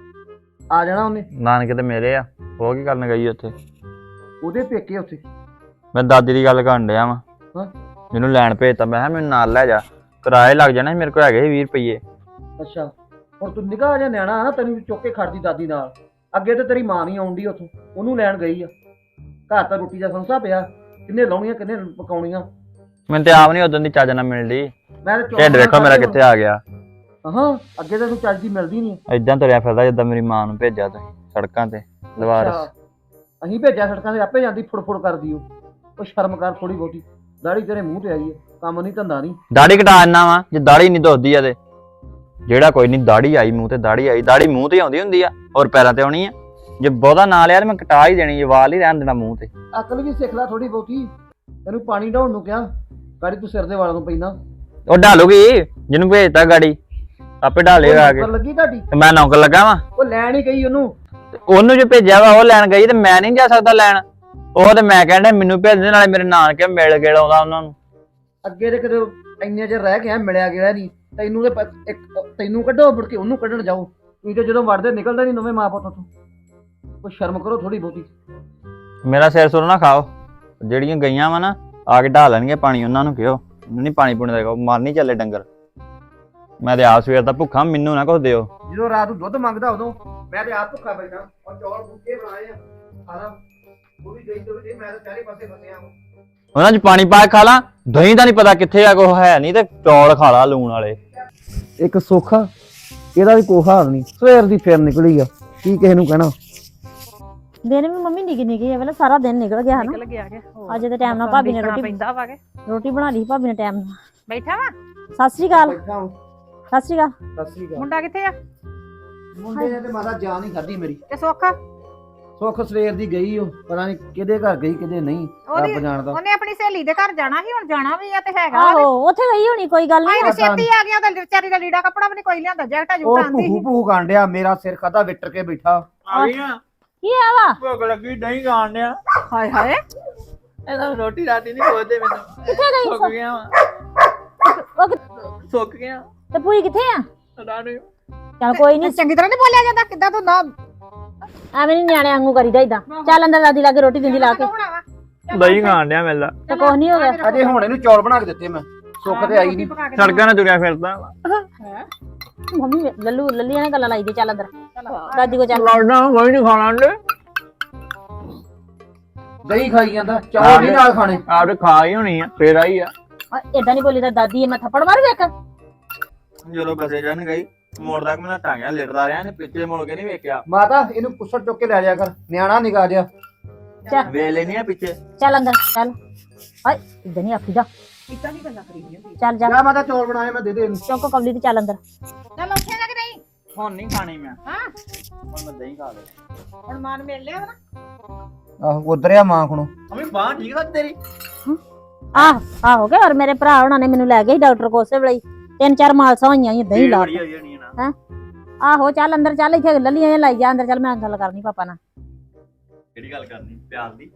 Speaker 6: ਆ ਜਾਣਾ ਉਹਨੇ।
Speaker 7: ਨਾਨਕੇ ਤੇ ਮੇਰੇ ਆ, ਉਹ ਕੀ ਕਰਨ ਗਈ ਉੱਥੇ।
Speaker 6: ਉਹਦੇ ਪੇਕੇ ਉੱਥੇ।
Speaker 7: ਮੈਂ ਦਾਦੀ ਦੀ ਗੱਲ ਕਰਨ ਡਿਆ ਵਾਂ।
Speaker 6: ਹਾਂ।
Speaker 7: ਮੈਨੂੰ ਲੈਣ ਭੇਜਤਾ, ਮੈਂ ਕਿਹਾ ਮੈਨੂੰ ਨਾਲ ਲੈ ਜਾ, ਕਿਰਾਏ ਲੱਗ ਜਾਣਾ ਸੀ, ਮੇਰੇ ਕੋਲ ਹੈਗੇ ਸੀ ਵੀਹ ਰੁਪਈਏ।
Speaker 6: ਅੱਛਾ ਹੁਣ ਤੂੰ ਨਿਕਾ ਜਾ ਨਿਆਣਾ ਨਾ, ਤੈਨੂੰ ਚੁੱਕ ਕੇ ਖੜਦੀ ਦਾਦੀ ਨਾਲ। ਅੱਗੇ ਤੇ ਤੇਰੀ ਮਾਂ ਨਹੀਂ ਆਉਂਦੀ ਉੱਥੋਂ, ਉਹਨੂੰ ਲੈਣ ਗਈ ਆ। ਘਰ ਤਾਂ ਰੋਟੀ ਦਾ ਸੰਸਾ ਪਿਆ, ਕਿੰਨੇ ਲਾਉਣੀਆਂ ਕਿੰਨੇ ਪਕਾਉਣੀਆਂ।
Speaker 7: ਮੈਨੂੰ ਤੇ ਆਪ ਨਹੀਂ ਉਦੋਂ ਦੀ ਚੱਜ ਨਾਲ ਮਿਲਦੀ।
Speaker 6: ਮੈਂ ਤਾਂ
Speaker 7: ਢਿੱਡ ਵੇਖੋ ਮੇਰਾ ਕਿੱਥੇ ਆ ਗਿਆ।
Speaker 6: ਹਾਂ ਅੱਗੇ ਤਾਂ ਤੂੰ ਚੱਜ ਦੀ ਮਿਲਦੀ ਨਹੀਂ।
Speaker 7: ਏਦਾਂ ਤੁਰਿਆ ਫਿਰਦਾ ਜਿੱਦਾਂ ਮੇਰੀ ਮਾਂ ਨੂੰ ਭੇਜਿਆ ਤੁਸੀਂ ਸੜਕਾਂ ਤੇ ਲਵਾਰਸ।
Speaker 6: ਅਸੀਂ ਭੇਜਿਆ ਸੜਕਾਂ ਤੇ, ਆਪੇ ਜਾਂਦੀ ਫੁੜ-ਫੁੜ ਕਰਦੀ ਉਹ। ਉਹ ਸ਼ਰਮ ਕਰ ਥੋੜੀ ਬਹੁਤੀ, ਦਾੜੀ ਤੇਰੇ ਮੂੰਹ ਤੇ ਆਈ ਹੈ, ਕੰਮ ਨਹੀਂ ਧੰਦਾ ਨਹੀਂ।
Speaker 7: ਦਾੜੀ ਕਟਾ ਇੰਨਾ ਵਾ ਜੇ ਦਾੜੀ ਨਹੀਂ ਦੁਖਦੀ ਆ ਤੇ। ਜਿਹੜਾ ਕੋਈ ਨਹੀਂ, ਦਾੜੀ ਆਈ ਮੂੰਹ ਤੇ, ਦਾੜੀ ਆਈ, ਦਾੜੀ ਮੂੰਹ ਤੇ ਆਉਂਦੀ ਹੁੰਦੀ ਆ, ਔਰ ਪੈਰਾਂ ਤੇ ਆਉਣੀ ਆ। ਜੇ ਬਹੁਤਾ ਨਾ ਲਿਆ ਤੇ ਮੈਂ ਕਟਾ ਹੀ ਦੇਣੀ, ਵਾਲ ਹੀ ਰਹਿਣ ਦੇਣਾ ਮੂੰਹ ਤੇ।
Speaker 6: ਅਕਲ ਵੀ ਸਿੱਖ ਲੈ ਥੋੜੀ ਬਹੁਤੀ। ਤੈਨੂੰ ਪਾਣੀ ਢਾਉਣ ਨੂੰ ਕਿਹਾ, ਗਾੜੀ ਤੂੰ ਸਿਰ ਦੇ ਵਾਲਾਂ ਨੂੰ ਪੈਂਦਾ।
Speaker 7: ਉਹ ਢਾਲੂਗੀ, ਜਿਹਨੂੰ ਭੇਜਤਾ ਗਾੜੀ ਆਪੇ ਢਾਲੇਗਾ ਆ ਕੇ।
Speaker 6: ਨੌਕਰ ਲੱਗੀ ਤੁਹਾਡੀ,
Speaker 7: ਤੇ ਮੈਂ ਨੌਕਰ ਲੱਗਾ ਵਾਂ।
Speaker 6: ਉਹ ਲੈਣ ਹੀ ਗਈ ਉਹਨੂੰ।
Speaker 7: ਤੇ ਉਹਨੂੰ ਜੋ ਭੇਜਿਆ ਵਾ ਉਹ ਲੈਣ ਗਈ, ਤੇ ਮੈਂ ਨਹੀਂ ਜਾ ਸਕਦਾ ਲੈਣ। ਉਹ ਤੇ ਮੈਂ ਕਹਿੰਦਾ ਮੈਨੂੰ ਭੇਜ ਦੇ, ਨਾਲੇ ਮੇਰੇ ਨਾਨਕੇ ਮਿਲ ਕੇ ਆਉਂਦਾ ਉਹਨਾਂ ਨੂੰ।
Speaker 6: ਅੱਗੇ ਤੇ ਕਦੇ ਇੰਨੇ ਚਿਰ ਰਹਿ ਗਿਆ, ਮਿਲਿਆ ਗਿਆ ਨਹੀਂ। ਤੈਨੂੰ ਤੇ ਪ- ਇੱਕ ਤੈਨੂੰ ਕੱਢੋ, ਮੁੜ ਕੇ ਉਹਨੂੰ ਕੱਢਣ ਜਾਓ। ਤੁਸੀਂ ਤੇ ਜਦੋਂ ਵੜਦੇ ਨਿਕਲਦਾ ਨਹੀਂ ਨਵੇਂ ਮਾਂ ਪੁੱਤ ਤੋਂ। ਕੋਈ ਸ਼ਰਮ ਕਰੋ ਥੋੜੀ ਬਹੁਤੀ।
Speaker 7: ਮੇਰਾ ਸਿਰ ਸੁਰ ਨਾ ਖਾਓ। ਜਿਹੜੀਆਂ ਗਈਆਂ ਵਾ ਨਾ ਆ ਕੇ ਢਾ ਲੈਣਗੇ ਪਾਣੀ, ਉਹਨਾਂ ਨੂੰ ਕਿਹੋ ਨਹੀਂ ਪਾਣੀ ਪੂਣੀ ਦਾ, ਮਰ ਨਹੀਂ ਚੱਲੇ ਡੰਗਰ। ਮੈਂ ਤੇ ਆਪ ਸਵੇਰ ਦਾ ਭੁੱਖਾ, ਮੈਨੂੰ ਨਾ ਕੁਛ ਦਿਓ।
Speaker 6: ਜਦੋਂ ਰਾਤ ਨੂੰ ਦੁੱਧ ਮੰਗਦਾ ਉਦੋਂ ਮੈਂ ਤੇ ਆਪ ਭੁੱਖਾ ਬੈਠਾ। ਔਰ ਚੌਲ ਭੁੱਖੇ ਬਣਾਏ ਆ ਖਾਣਾ। ਉਹ ਵੀ ਗਈ ਤੋਂ ਵੀ ਮੈਂ ਤਾਂ ਚਾਰੇ ਪਾਸੇ ਫਸਿਆ ਹਾਂ।
Speaker 7: ਉਹਨਾਂ 'ਚ ਪਾਣੀ ਪਾ ਕੇ ਖਾ ਲਾਂ, ਦਹੀਂ ਦਾ ਨਹੀਂ ਪਤਾ ਕਿੱਥੇ ਆ, ਕੁਛ ਹੈ ਨਹੀਂ, ਤੇ ਚੌਲ ਖਾ ਲਾ ਲੂਣ ਵਾਲੇ।
Speaker 6: ਇੱਕ ਸੋਖਾ, ਇਹਦਾ ਵੀ ਕੋਈ ਹਾਲ ਨਹੀਂ। ਸਵੇਰ ਦੀ ਫੇਰ ਨਿਕਲੀ ਆ, ਕੀ ਕਿਸੇ ਨੂੰ ਕਹਿਣਾ।
Speaker 1: ਦਿਨ ਵੀ ਮੰਮੀ ਨਿੱਕੀ ਨਿੱਕੀ ਆ, ਵੇਲੇ ਸਾਰਾ ਦਿਨ ਨਿਕਲ ਗਿਆ ਹਨਾ।
Speaker 2: ਨਿਕਲ ਗਿਆ ਕਿ
Speaker 1: ਅੱਜ ਦੇ ਟਾਈਮ ਨਾਲ ਭਾਬੀ ਨੇ ਰੋਟੀ
Speaker 2: ਪੈਂਦਾ ਵਾ ਕੇ
Speaker 1: ਰੋਟੀ ਬਣਾ ਲਈ ਭਾਬੀ ਨੇ ਟਾਈਮ ਨਾਲ।
Speaker 2: ਬੈਠਾ ਵਾ।
Speaker 1: ਸਤਿ ਸ੍ਰੀ ਅਕਾਲ।
Speaker 6: ਬੈਠਾ ਹਾਂ।
Speaker 1: ਸਤਿ ਸ੍ਰੀ ਅਕਾਲ।
Speaker 6: ਸਤਿ ਸ੍ਰੀ ਅਕਾਲ।
Speaker 2: ਮੁੰਡਾ ਕਿੱਥੇ ਆ?
Speaker 6: ਮੁੰਡੇ ਨੇ ਤੇ ਮਾਤਾ ਜਾਨ ਹੀ ਖਾਧੀ ਮੇਰੀ।
Speaker 2: ਤੇ ਸੁੱਖ
Speaker 6: ਸੁੱਖ ਸਵੇਰ ਦੀ ਗਈ, ਉਹ ਪਤਾ ਨਹੀਂ ਕਿਹਦੇ ਘਰ ਗਈ ਕਿਹਦੇ ਨਹੀਂ,
Speaker 2: ਉਹਦੀ-
Speaker 6: ਰੱਬ ਜਾਣਦਾ।
Speaker 2: ਉਹਨੇ ਆਪਣੀ ਸਹੇਲੀ ਦੇ ਘਰ ਜਾਣਾ ਸੀ, ਹੁਣ ਜਾਣਾ ਵੀ ਆ ਤੇ ਹੈਗਾ।
Speaker 1: ਆਹੋ ਉੱਥੇ ਗਈ ਹੋਣੀ, ਕੋਈ ਗੱਲ ਨਹੀਂ।
Speaker 2: ਆਈ ਛੇਤੀ ਆ ਗਿਆ, ਉਹਦਾ ਵਿਚਾਰੀ ਦਾ ਲੀੜਾ ਕੱਪੜਾ ਵੀ ਨਹੀਂ ਕੋਈ ਲਿਆਂਦਾ, ਜੈਕਟਾ
Speaker 6: ਉਹ
Speaker 2: ਜੁਕਟਾ ਆਂਦੀ
Speaker 6: ਭੂਹੂ
Speaker 2: ਸੀ।
Speaker 6: ਭੂਹੂ ਕਾਂਡਿਆ, ਮੇਰਾ ਸਿਰ ਖਾਦਾ ਵਿਟਰ ਕੇ ਬੈਠਾ।
Speaker 1: ਕੀ ਆ ਵਾ?
Speaker 8: ਭੁੱਖ ਲੱਗੀ ਨਹੀਂ ਖਾਣ ਡਿਆ।
Speaker 2: ਹਾਏ ਹਾਏ
Speaker 8: ਇਹਦਾ ਰੋਟੀ ਰਾਤੀ ਨਹੀਂ ਖੋਦੇ ਮੈਨੂੰ।
Speaker 1: ਕਿੱਥੇ ਗਈ?
Speaker 8: ਸੁੱਕ ਗਿਆ ਵਾਂ,
Speaker 1: ਉਹ ਕਿ-
Speaker 8: ਸੁੱਕ ਗਿਆ
Speaker 1: ਤੇ ਪੂਰੀ ਕਿੱਥੇ ਆ?
Speaker 8: ਰਾਣੀ।
Speaker 1: ਚੱਲ ਕੋਈ ਨਹੀਂ,
Speaker 2: ਚੰਗੀ ਤਰ੍ਹਾਂ ਨਹੀਂ ਬੋਲਿਆ ਜਾਂਦਾ, ਕਿੱਦਾਂ ਤੂੰ ਨਾ
Speaker 1: ਐਵੇਂ ਨਹੀਂ ਨਿਆਣੇ ਵਾਂਗੂ ਕਰੀਦਾ ਇਦਾਂ। ਚੱਲ ਅੰਦਰ ਦਾਦੀ ਲਾ ਕੇ ਰੋਟੀ ਦਿੰਦੀ ਲਾ ਕੇ।
Speaker 8: ਦਹੀਂ ਖਾਣ ਡਿਆ ਮੇਲਾ।
Speaker 1: ਤੇ ਕੁਛ ਨਹੀਂ ਹੋ ਗਿਆ।
Speaker 6: ਅਜੇ ਹੁਣ ਇਹਨੂੰ ਚੌਲ ਬਣਾ ਕੇ ਦਿੱਤੇ ਮੈਂ। ਸੁੱਖ ਤੇ ਆਈ ਨਹੀਂ।
Speaker 7: ਸੜਕਾਂ 'ਤੇ ਤੁਰਿਆ ਫਿਰਦਾ ਵਾ।
Speaker 1: ਮੰਮੀ ਵੇ- ਲੱਲੂ ਲੱਲੀਆਂ ਨੇ ਗੱਲਾਂ ਲਾਈ ਦੇ। ਚੱਲ ਅੰਦਰ ਦਾਦੀ ਕੋ ਚੱਲ।
Speaker 8: ਲੜਨਾ ਕੋਈ ਨਹੀਂ ਖਾਣਾ ਅੰਡੇ।
Speaker 6: ਦਹੀਂ ਖਾਈ ਜਾਂਦਾ, ਚੌਲ ਨਹੀਂ ਨਾਲ ਖਾਣੇ।
Speaker 8: ਆਪ ਤੇ ਖਾ ਹੀ ਹੋਣੀ ਆ, ਫੇਰ ਆਈ ਆ।
Speaker 1: ਏਦਾਂ ਨਹੀਂ ਬੋਲੀ ਤਾਂ ਦਾਦੀ ਐ, ਮੈਂ ਥੱਪੜ ਮਾਰੂ ਵੇਖ।
Speaker 8: ਜਦੋਂ ਬਸੇ ਜਾਣ ਗਈ ਮੋੜ ਤੱਕ ਮੈਂ ਟਾਂਗਿਆ ਲਿਟਦਾ ਰਿਹਾ, ਨੇ ਪਿੱਛੇ ਮੁੜ ਕੇ ਨਹੀਂ ਵੇਖਿਆ।
Speaker 6: ਮਾਤਾ ਇਹਨੂੰ ਕੁੱਸੜ ਚੁੱਕ ਕੇ ਲੈ ਜਾਇਆ ਕਰ, ਨਿਆਣਾ ਨਿਕਾ ਜਿਆ।
Speaker 8: ਵੇ ਲੈਣੀ ਆ ਪਿੱਛੇ।
Speaker 1: ਚੱਲ ਅੰਦਰ ਚੱਲ। ਹਾਏ ਇਦਾਂ ਨਹੀਂ ਆਖੀਦਾ।
Speaker 2: ਕਿੱਦਾਂ ਨਹੀਂ ਗੱਲਾਂ ਕਰੀ ਜਾਂਦੀ।
Speaker 1: ਚੱਲ ਜਾ
Speaker 6: ਜਾ ਮਾਤਾ ਚੌਲ ਬਣਾਏ ਮੈਂ ਦੇ ਦੇ ਇਹਨੂੰ।
Speaker 1: ਚੌਂਕ ਕਬਲੀ ਤੇ ਚੱਲ ਅੰਦਰ।
Speaker 2: ਚੱਲ ਉੱਠੇਗਾ ਕਿ ਨਹੀਂ?
Speaker 8: ਹੁਣ ਨਹੀਂ ਖਾਣੀ ਮੈਂ,
Speaker 2: ਹਾਂ
Speaker 8: ਹੁਣ ਮੈਂ ਦਹੀਂ ਖਾ ਲੈ।
Speaker 2: ਹੁਣ ਮਾਨ ਮਿਲ ਲਿਆ ਵਾ ਨਾ।
Speaker 6: ਆਹੋ ਉਧਰਿਆ ਮਾਂ ਕੋਲੋਂ।
Speaker 8: ਅਮੀ ਬਾਂਹ ਠੀਕ ਆ ਤੇਰੀ?
Speaker 1: ਆਹ ਆਹੋ ਕੇ। ਔਰ ਮੇਰੇ ਭਰਾ ਉਹਨਾਂ ਨੇ ਮੈਨੂੰ ਲੈ ਗਏ ਡਾਕਟਰ ਕੋਲ ਉਸੇ ਵੇਲੇ ਹੀ। ਤਿੰਨ ਚਾਰ ਮਾਲਸਾਂ ਹੋਈਆਂ ਸੀ ਦਹੀਂ ਲਾ
Speaker 8: ਬੜੀ ਹੋਈ ਜਾਣੀ ਆ ਨਾ।
Speaker 1: ਆਹੋ ਚੱਲ ਅੰਦਰ ਚੱਲ। ਇੱਥੇ ਲੱਲੀਆਂ ਜਿਹੀਆਂ ਲਾਈ ਜਾ ਅੰਦਰ ਚੱਲ। ਮੈਂ ਗੱਲ ਕਰਨੀ ਪਾਪਾ ਨਾਲ।
Speaker 8: ਕਿਹੜੀ ਗੱਲ ਕਰਨੀ? ਪਿਆਰ ਦੀ।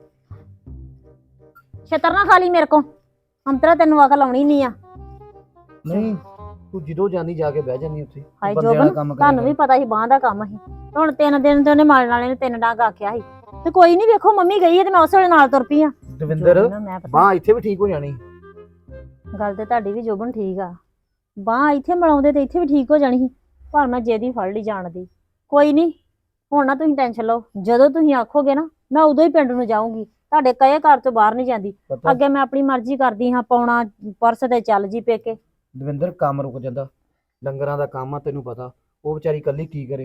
Speaker 1: ਛੇਤਰ ਨਾ ਖਾ ਲਈ ਮੇਰੇ ਕੋ। ਅੰਤਰਾ ਤੈਨੂੰ ਅਕਲ ਆਉਣੀ ਨਹੀਂ ਆ।
Speaker 6: ਨਹੀਂ ਤੂੰ ਜਦੋਂ ਜਾਂਦੀ ਜਾ ਕੇ ਬਹਿ ਜਾਂਦੀ ਉੱਥੇ।
Speaker 1: ਹਾਏ
Speaker 6: ਬੰਦੇ ਵਾਲਾ
Speaker 1: ਜੋਬਨ
Speaker 6: ਕੰਮ ਕਰਿਆ
Speaker 1: ਤੁਹਾਨੂੰ ਵੀ ਪਤਾ ਸੀ ਬਾਂਹ ਦਾ ਕੰਮ ਸੀ। ਹੁਣ ਤਿੰਨ ਦਿਨ ਤੇ ਉਹਨੇ ਮਾਰਨ ਵਾਲੇ ਨੇ ਤਿੰਨ ਡਾਂਗ ਆਖਿਆ ਸੀ। ਤੇ ਕੋਈ ਨਹੀਂ ਵੇਖੋ ਮੰਮੀ ਗਈ ਹੈ ਤੇ ਮੈਂ ਉਸ ਵੇਲੇ ਨਾਲ ਤੁਰ ਪਈ ਆ।
Speaker 6: ਦਵਿੰਦਰ
Speaker 1: ਮੈਂ ਪਤਾ
Speaker 6: ਬਾਹ ਇੱਥੇ ਵੀ ਠੀਕ ਹੋ ਜਾਣੀ।
Speaker 1: ਗੱਲ ਤੇ ਤੁਹਾਡੀ ਵੀ ਜੋਬਨ ਠੀਕ ਆ। ਬਾਂਹ ਇੱਥੇ ਮਲਾਉਂਦੇ ਤੇ ਇੱਥੇ ਵੀ ਠੀਕ ਹੋ ਜਾਣੀ ਸੀ। ਪਰ ਮੈਂ ਜੇਦੀ ਫੜ ਲਈ ਜਾਣ ਦੀ। ਕੋਈ ਨਹੀਂ ਹੁਣ ਨਾ ਤੁਸੀਂ ਟੈਨਸ਼ਨ ਲਓ। ਜਦੋਂ ਤੁਸੀਂ ਆਖੋਗੇ ਨਾ ਮੈਂ ਉਦੋਂ ਹੀ ਪਿੰਡ ਨੂੰ ਜਾਊਂਗੀ। ਤੁਹਾਡੇ ਕਹੇ ਘਰ ਤੋਂ ਬਾਹਰ ਨਹੀਂ ਜਾਂਦੀ।
Speaker 6: ਪਤਾ
Speaker 1: ਅੱਗੇ ਮੈਂ ਆਪਣੀ ਮਰਜ਼ੀ ਕਰਦੀ ਹਾਂ, ਪਾਉਣਾ ਪਰਸ ਤੇ ਚੱਲ ਜੀ ਪੇਕੇ।
Speaker 6: ਦਵਿੰਦਰ ਕੰਮ ਰੁਕ ਜਾਂਦਾ, ਡੰਗਰਾਂ ਦਾ ਕੰਮ ਆ ਤੈਨੂੰ ਪਤਾ। ਉਹ ਵਿਚਾਰੀ ਇਕੱਲੀ ਕੀ ਕਰੇ।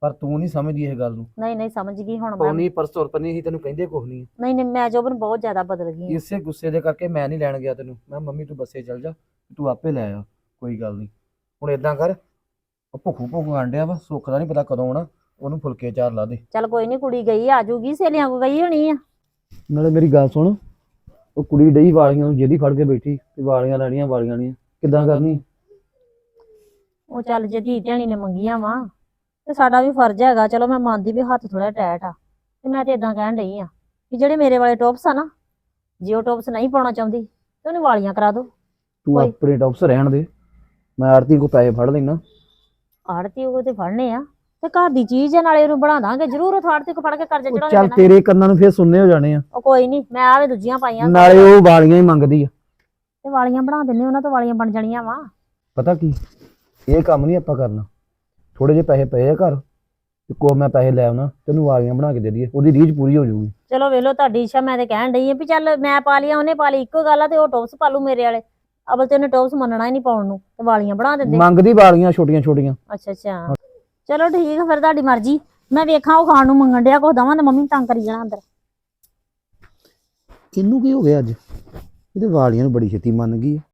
Speaker 6: ਪਰ ਤੂੰ ਨਹੀਂ ਸਮਝਦੀ ਇਹ ਗੱਲ ਨੂੰ।
Speaker 1: ਨਹੀਂ ਨਹੀਂ ਸਮਝ ਗਈ ਹੁਣ ਮੈਂ
Speaker 6: ਪੌਣੀ ਪਰਸ ਤੁਰ ਪਨੀ ਸੀ ਤੈਨੂੰ ਕਹਿੰਦੇ ਕੁਝ ਨਹੀਂ।
Speaker 1: ਨਹੀਂ ਨਹੀਂ ਮੈਂ ਜੋਬਨ ਬਹੁਤ ਜ਼ਿਆਦਾ ਬਦਲ ਗਈ ਹਾਂ।
Speaker 6: ਇਸੇ ਗੁੱਸੇ ਦੇ ਕਰਕੇ ਮੈਂ ਨਹੀਂ ਲੈਣ ਗਿਆ ਤੈਨੂੰ। ਮੈਂ ਮੰਮੀ ਤੂੰ ਬੱਸੇ ਚੱਲ ਜਾ, ਤੂੰ ਆਪੇ ਲੈ ਆ, ਕੋਈ ਗੱਲ ਨਹੀਂ। ਹੁਣ ਇਦਾਂ ਕਰ, ਉਹ ਭੁੱਖੂ ਭੁੱਖੂ ਆਂਡਿਆ ਵਾ, ਸੁੱਖ ਦਾ ਨਹੀਂ ਪਤਾ ਕਦੋਂ ਆਉਣਾ, ਉਹਨੂੰ ਫੁਲਕੇ ਚਾਰ ਲਾ ਦੇ।
Speaker 1: ਚੱਲ ਕੋਈ ਨਹੀਂ, ਕੁੜੀ ਗਈ ਆ ਜੂਗੀ, ਸਹੇਲੀਆਂ ਕੋ ਗਈ ਹੋਣੀ ਆ।
Speaker 6: ਨਾਲੇ ਮੇਰੀ ਗੱਲ ਸੁਣ, ਉਹ ਕੁੜੀ ਡਈ ਵਾਲੀਆਂ ਨੂੰ ਜਿਹਦੀ ਫੜ ਕੇ ਬੈਠੀ ਤੇ ਵਾਲੀਆਂ ਲੈਣੀਆਂ ਵਾਲੀਆਂ ਨਹੀਂ ਕਿੱਦਾਂ ਕਰਨੀ?
Speaker 1: ਉਹ ਚੱਲ ਜੇ ਧੀ ਧਿਆਣੀ ਨੇ ਮੰਗੀਆਂ ਵਾ ਤੇ ਸਾਡਾ ਵੀ ਫਰਜ਼ ਹੈਗਾ। ਚਲੋ ਮੈਂ ਮੰਨਦੀ ਵੀ ਹੱਥ ਥੋੜਾ ਟੈਟ ਆ, ਤੇ ਮੈਂ ਤੇ ਇਦਾਂ ਕਹਿਣ ਡਈ ਆ ਕਿ ਜਿਹੜੇ ਮੇਰੇ ਵਾਲੇ ਟੌਪਸ ਆ ਨਾ, ਜੇ ਉਹ ਟੌਪਸ ਨਹੀਂ ਪਾਉਣਾ ਚਾਹੁੰਦੀ ਤੇ ਉਹਨੂੰ ਵਾਲੀਆਂ ਕਰਾ ਦੋ।
Speaker 6: ਤੂੰ
Speaker 1: ਕੋਈ-
Speaker 6: ਆਪਣੇ ਟੌਪਸ ਰਹਿਣ ਦੇ, ਮੈਂ ਆਰਤੀ ਕੋ ਪੈਸੇ ਫੜ ਲੈਣਾ।
Speaker 1: ਆੜਤੀ ਉਹ ਤੇ ਫੜਨੇ ਆ, ਤੇ ਘਰ ਦੀ ਚੀਜ਼ ਆ, ਨਾਲੇ ਉਹਨੂੰ ਬਣਾ ਦਾਂਗੇ ਜ਼ਰੂਰ। ਉਹ ਆੜਤੀ ਕੋ ਫੜ ਕੇ ਕਰਜ਼ਾ
Speaker 6: ਉਹ
Speaker 1: ਚੜਾਉਣਾ
Speaker 6: ਚੱਲ
Speaker 1: ਪੈਣਾ।
Speaker 6: ਤੇਰੇ ਕੰਨਾਂ ਨੂੰ ਫੇਰ ਸੁਣਨੇ ਹੋ ਜਾਣੇ ਆ।
Speaker 1: ਉਹ ਕੋਈ ਨਹੀਂ, ਮੈਂ ਆਵੇ ਦੂਜੀਆਂ ਪਾਈਆਂ
Speaker 6: ਨਾਲੇ ਉਹ ਵਾਲੀਆਂ ਹੀ ਮੰਗਦੀ ਆ।
Speaker 1: ਤੇ ਵਾਲੀਆਂ ਬਣਾ ਦਿੰਨੇ, ਉਹਨਾਂ ਤੋਂ ਵਾਲੀਆਂ ਬਣ ਜਾਣੀਆਂ ਵਾ।
Speaker 6: ਪਤਾ ਕੀ, ਇਹ ਕੰਮ ਨਹੀਂ ਆਪਾਂ ਕਰਨਾ। ਥੋੜੇ ਜਿਹੇ ਪੈਸੇ ਪਏ ਆ ਘਰ, ਤੇ ਕੋ ਮੈਂ ਪੈਸੇ ਲੈ ਆਉਣਾ, ਤੈਨੂੰ ਵਾਲੀਆਂ ਬਣਾ ਕੇ ਦੇ ਦਈਏ, ਉਹਦੀ ਰੀਝ ਪੂਰੀ ਹੋ ਜਾਊਗੀ।
Speaker 1: ਚਲੋ ਵੇਖ ਲਓ ਤੁਹਾਡੀ ਇੱਛਾ। ਮੈਂ ਤੇ ਕਹਿਣ ਡਈ ਆ ਵੀ ਚੱਲ ਮੈਂ ਪਾ ਲਿਆ, ਉਹਨੇ ਪਾ ਲਈ, ਇੱਕੋ ਗੱਲ ਆ। ਤੇ ਉਹ ਟੌਪਸ ਪਾ ਲੂ ਮੇਰੇ ਵਾਲੇ। ਅਬਲ ਤੇ ਉਹਨੇ ਟੌਪਸ ਮੰਨਣਾ ਹੀ ਨਹੀਂ ਪਾਉਣ ਨੂੰ, ਤੇ ਵਾਲੀਆਂ ਬਣਾ ਦਿੰਦੇ।
Speaker 6: ਮੰਗਦੀ ਵਾਲੀਆਂ ਛੋਟੀਆਂ ਛੋਟੀਆਂ।
Speaker 1: ਅੱਛਾ ਅੱਛਾ, ਚਲੋ ਠੀਕ ਆ ਫਿਰ, ਤੁਹਾਡੀ ਮਰਜ਼ੀ। ਮੈਂ ਵੇਖਾਂ ਉਹ ਖਾਣ ਨੂੰ ਮੰਗਣ ਡਿਆ ਕੁਛ ਦਵਾਂ, ਤੇ ਮੰਮੀ ਤੰਗ ਕਰੀ ਜਾਣਾ ਅੰਦਰ।
Speaker 6: ਕਿਹਨੂੰ ਕੀ ਹੋ ਗਿਆ ਅੱਜ? ਇਹਦੇ ਵਾਲੀਆਂ ਨੂੰ ਬੜੀ ਛੇਤੀ ਮੰਨ ਗਈ ਆ।